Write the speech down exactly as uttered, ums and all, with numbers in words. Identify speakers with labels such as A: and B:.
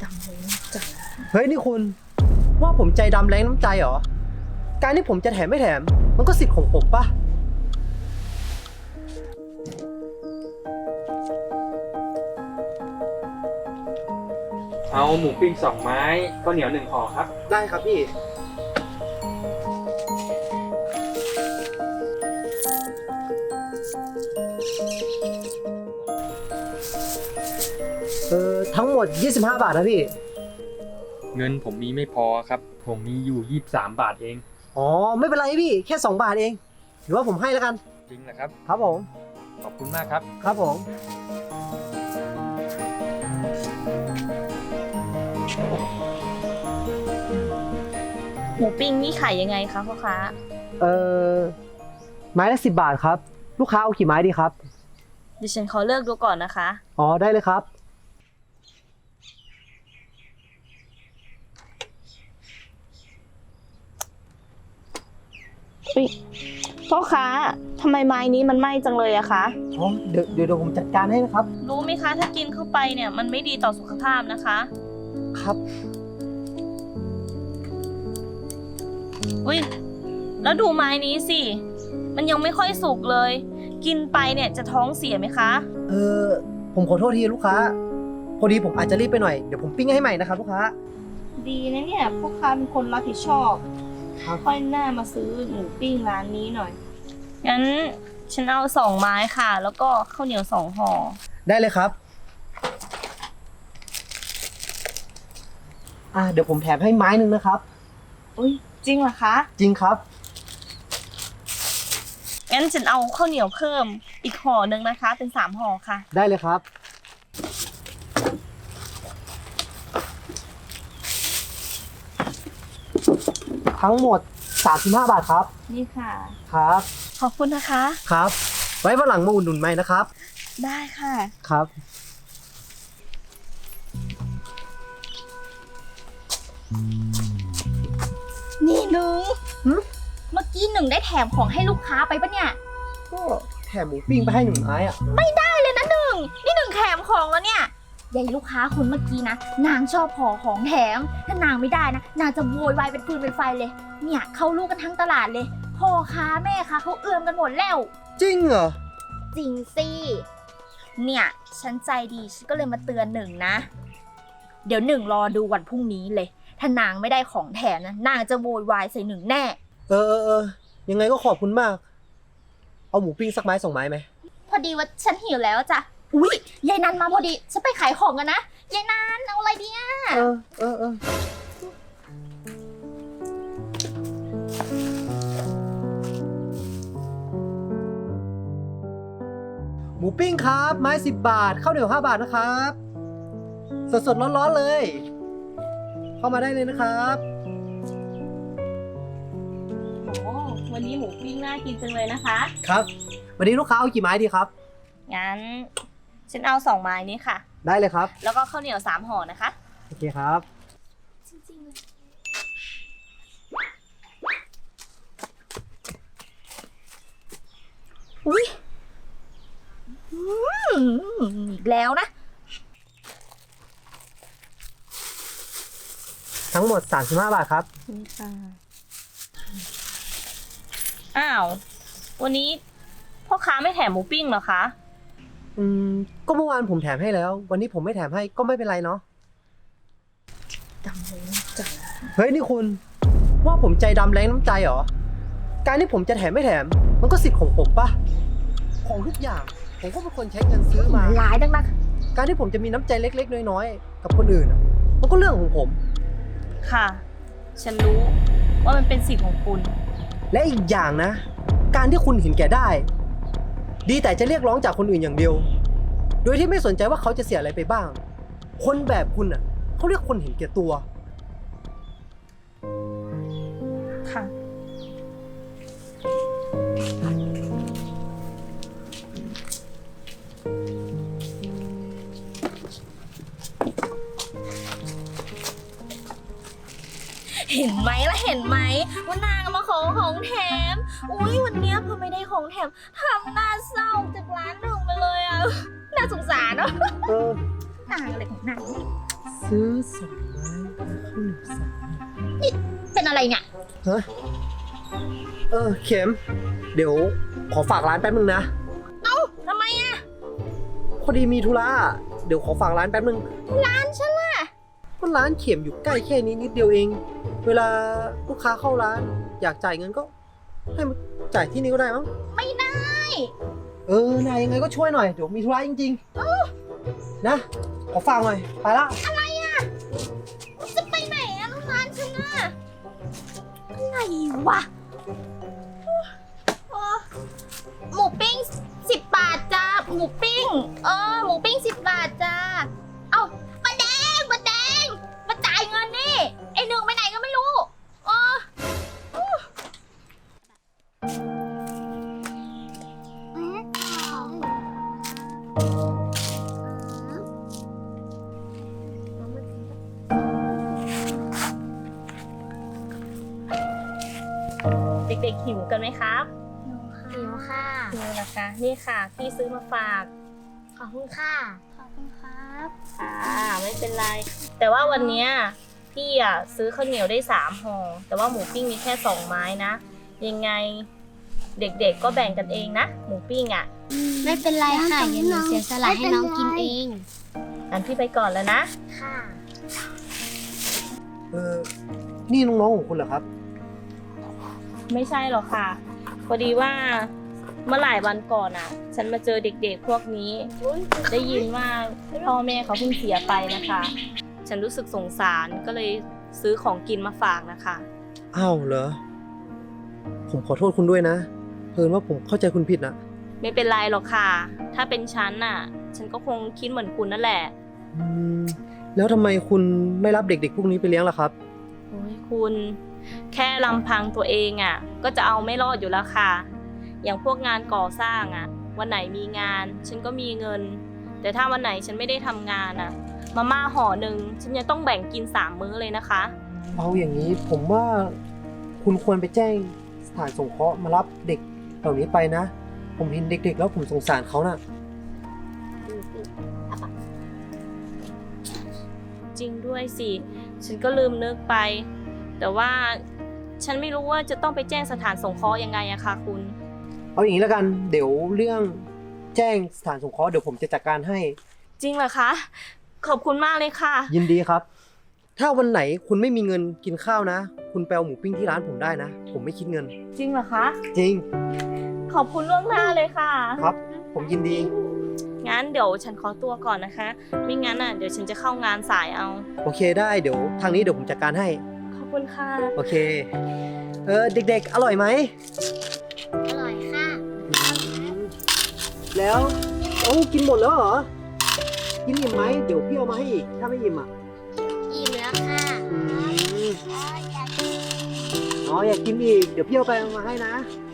A: ำเลยน้ำใจ
B: เฮ้ยนี่คุณว่าผมใจดำแรงน้ำใจเหรอการที่ผมจะแถมไม่แถมมันก็สิทธิ์ของผมปะ
C: เอาหมูปิ้งสองไม้ข้าวเหนียวหนึ่งห่อครับ
B: ได้ครับพี่เออทั้งหมดยี่สิบห้าบาทนะพี่
C: เงินผมมีไม่พอครับผมมีอยู่ยี่สิบสามบาทเอง
B: อ๋อไม่เป็นไรพี่แค่สองบาทเองหรือว่าผมให้แล้วกัน
C: จริงเหรอครับ
B: ครับผม
C: ขอบคุณมากครับ
B: ครับผม
A: หมูปิ้งนี่ขายยังไงคะพ่อค้า
B: เออไม้ละสิบบาทครับลูกค้าเอากี่ไม้ดีครับ
A: ดิฉันขอเลือกดูก่อนนะคะ
B: อ๋อได้เลยครับ
A: พ่อค้าทำไมไม้นี้มันไหม้จังเลยอะคะ
B: อ๋อเดี๋ยวเดี๋ยวผมจัดการให้นะครับ
A: รู้ไหมคะถ้ากินเข้าไปเนี่ยมันไม่ดีต่อสุขภาพนะคะ
B: ครับ
A: อุ้ยแล้วดูไม้นี้สิมันยังไม่ค่อยสุกเลยกินไปเนี่ยจะท้องเสียไหมคะ
B: เออผมขอโทษทีลูกค้าพอดีผมอาจจะรีบไปหน่อยเดี๋ยวผมปิ้งให้ใหม่นะครับลูกค้า
A: ดีนะเนี่ยพ่อค้าเป็นคนรับผิดชอบค่อยหน้ามาซื้อหมูปิ้งร้านนี้หน่อยงั้นฉันเอาสองไม้ค่ะแล้วก็ข้าวเหนียวสองห่อ
B: ได้เลยครับอ่าเดี๋ยวผมแถมให้ไม้หนึ่งนะครับ
A: อุ้ยจริงเหรอคะ
B: จริงครับ
A: งั้นฉันเอาข้าวเหนียวเพิ่มอีกห่อหนึ่งนะคะเป็นสามห่อค่ะ
B: ได้เลยครับทั้งหมดสามสิบห้าบาทครับ
A: นี่ค่ะ
B: ครับ
A: ขอบคุณนะคะ
B: ครับไว้วันหลังมาอุดหนุนใหม่นะครับ
A: ได้ค่ะ
B: ครับ
D: นี่หนึ่งเมื่อกี้หนึ่งได้แถมของให้ลูกค้าไปปะเนี่ย
B: ก็แถมหมูปิ้งไปให้หนึ่งไม้อะ
D: ไม่ได้เลยนะหนึ่งนี่หนึ่งแถมของแล้วเนี่ยยายลูกค้าคนเมื่อกี้นะนางชอบขอของแถมถ้านางไม่ได้นะนางจะโวยวายเป็นฟืนเป็นไฟเลยเนี่ยเขารู้กันทั้งตลาดเลยพ่อค้าแม่ค้าเขาเอื้อมกันหมดแล้ว
B: จริงเหรอ
D: จริงสิเนี่ยฉันใจดีฉันก็เลยมาเตือนหนึ่งนะเดี๋ยวหนึ่งรอดูวันพรุ่งนี้เลยถ้านางไม่ได้ของแถมนะนางจะโวยวายใส่หนึ่งแน่
B: เออเออเออยังไงก็ขอบคุณมากเอาหมูปิ้งสักไม้สองไม้ไหม
D: พอดีว่าฉันหิวแล้วจ้ะอุ้ยยายนันมาพอดีฉันไปขายของกันนะยายนันเอาอะไรดีอ่ะ
B: เออเออเออหมูปิ้งครับไม้สิบบาทข้าวเหนียวห้าบาทนะครับสดสดร้อนๆเลยเข้ามาได้เลยนะครับ
A: โอ้วันนี้หมูปิ้งน่ากินจังเลยนะคะ
B: ครับวันนี้ลูกค้าเอากี่ไม้ดีครับ
A: งั้นฉันเอาสองไม้นี้ค่ะ
B: ได้เลยครับ
A: แล้วก็ข้าวเหนียวสามห่อนะคะ
B: โอเคครับ
D: จริงๆเลยอุ้ยอีกแล้วนะ
B: ทั้งหมดสามสิบห้าบาทครับ
A: นี่ค่ะอ้าววันนี้พ่อค้าไม่แถมหมูปิ้งเหรอคะ
B: อืมก็เมื่อวานผมแถมให้แล้ววันนี้ผมไม่แถมให้ก็ไม่เป็นไรเนาะ
A: ดำเลยน้ำใจ
B: เฮ้ยนี่คุณว่าผมใจดำแรงน้ำใจเหรอการที่ผมจะแถมไม่แถมมันก็สิทธิ์ของผมปะของทุกอย่างผมก็เป็นคนใช้เงินซื้อมา
D: หลายดังนัก
B: การที่ผมจะมีน้ำใจเล็กๆน้อยๆกับคนอื่นมันก็เรื่องของผม
A: ค่ะฉันรู้ว่ามันเป็นสิทธิ์ของคุณ
B: และอีกอย่างนะการที่คุณเห็นแก่ได้ดีแต่จะเรียกร้องจากคนอื่นอย่างเดียวโดยที่ไม่สนใจว่าเขาจะเสียอะไรไปบ้างคนแบบคุณอ่ะเขาเรียกคนเห็นแก่ตัว
A: ค่ะเห็นไหมล่ะเห็นไหมว่านางมาขอของแถมอุ้ยวันนี้พอไม่ได้ของแถมทำหน้าเศร้าจากร้านหนึ่งไปเลยอ่ะน่าสงสารเนาะนางอะไรของนาง
B: ซื้อสองไม้แล้วข้าวเหนียวสามห่อ
D: เป็นอะไรเนี่ย
B: ฮะเออเข็ม เดี๋ยวขอฝากร้านแป๊บนึงนะ
D: ทำไมอะ
B: พอดีมีธุระเดี๋ยวขอฝากร้านแป๊บนึง
D: ร้านฉันล่ะ
B: ก็ร้านเข็มอยู่ใกล้แค่นี้นิดเดียวเอง เวลาลูกค้าเข้าร้าน อยากจ่ายเงินก็ ให้มาจ่ายที่นี่ก็ได้มั้ง
D: ไม่ได้
B: เออนายยังไงก็ช่วยหน่อย เดี๋ยวมีธุระจริงๆ นะ ขอฝากหน่อย ไปละ
D: อะไรอะจะไปไหนอะร้านฉันอะอะไรวะเออหมูปิ้งสิบบาทจ้าหมูปิ้ง เออ หมูปิ้งสิบบาทจ้า เอามาแดงมาแดง มาจ่ายเงินนี่ ไอหนึ่งไปไหนก็ไม่รู้เออ
A: เด็กๆหิวกันไหมครับ
D: หิวค่ะ
A: หิวนะคะ นี่ค่ะพี่ซื้อมาฝาก
D: ขอบคุณค่ะ ขอบคุณครับ
A: อ่าไม่เป็นไร แต่ว่าวันเนี้ยพี่อ่ะซื้อข้าวเหนียวได้สามห่อแต่ว่าหมูปิ้งมีแค่สองไม้นะ ยังไงเด็กๆก็แบ่งกันเองนะ หมูปิ้งอ่ะ
E: ไม่เป็นไรค่ะเดี๋ยวหนูเสียสละให้น้องกินเอง
A: งั้นพี่ไปก่อนแล้วนะ
D: ค่ะ
B: เออ นี่น้องๆของคุณเหรอครับ
A: ไม่ใช่หรอกค่ะ พอดีว่าเมื่อหลายวันก่อนอ่ะ ฉันมาเจอเด็กๆพวกนี้ ได้ยินว่าพ่อแม่เขาเพิ่งเสียไปนะคะ ฉันรู้สึกสงสารก็เลยซื้อของกินมาฝากนะคะ
B: อ้าวเหรอ ผมขอโทษคุณด้วยนะ เพิ่นว่าผมเข้าใจคุณผิดนะ
A: ไม่เป็นไรหรอกค่ะ ถ้าเป็นฉันน่ะ ฉันก็คงคิดเหมือนคุณนั่นแหละ
B: อืม แล้วทำไมคุณไม่รับเด็กๆพวกนี้ไปเลี้ยงล่ะครับ
A: โอ้ยคุณแค่ลำพังตัวเองอ่ะ ก็จะเอาไม่รอดอยู่แล้วค่ะ อย่างพวกงานก่อสร้างอ่ะ วันไหนมีงาน ฉันก็มีเงิน แต่ถ้าวันไหนฉันไม่ได้ทำงานอ่ะ มาม่าห่อหนึ่งฉันยังต้องแบ่งกินสามมื้อเลยนะคะ
B: เอาอย่างนี้ผมว่าคุณควรไปแจ้งสถานสงเคราะห์มารับเด็กเหล่านี้ไปนะ ผมเห็นเด็กๆแล้วผมสงสารเขาน่ะ
A: จริงด้วยสิ ฉันก็ลืมนึกไป แต่ว่าฉันไม่รู้ว่าจะต้องไปแจ้งสถานสงเคราะห์ยังไงอะคะคุณ
B: เอาอย่างนี้แล้วกัน เดี๋ยวเรื่องแจ้งสถานสงเคราะห์เดี๋ยวผมจะจัดการให้
A: จริงเหรอคะ ขอบคุณมากเลยค่ะ
B: ยินดีครับ ถ้าวันไหนคุณไม่มีเงินกินข้าวนะ คุณไปเอาหมูปิ้งที่ร้านผมได้นะ ผมไม่คิดเงิน
A: จริงเหรอคะ
B: จริง
A: ขอบคุณล่วงหน้าเลยค่ะ
B: ครับ ผมยินดี
A: งั้นเดี๋ยวฉันขอตัวก่อนนะคะ ไม่งั้นอ่ะเดี๋ยวฉันจะเข้างานสายเอา
B: โอเคได้เดี๋ยวทางนี้เดี๋ยวผมจัดการให้
A: ขอบคุณค่ะ
B: โอเค เออเด็กๆ อร่อยไหม
E: อร่อยค่ะ
B: แล้วโอ้กินหมดแล้วเหรอ กินอิ่มไหมเดี๋ยวพี่เอามาให้อีก ถ้าไม่อิ่มอ่ะ
E: อิ่มแล้วค่ะ
B: อืมอ๋ออยากกินอีก เดี๋ยวพี่เอาไปเอามาให้นะ
E: ค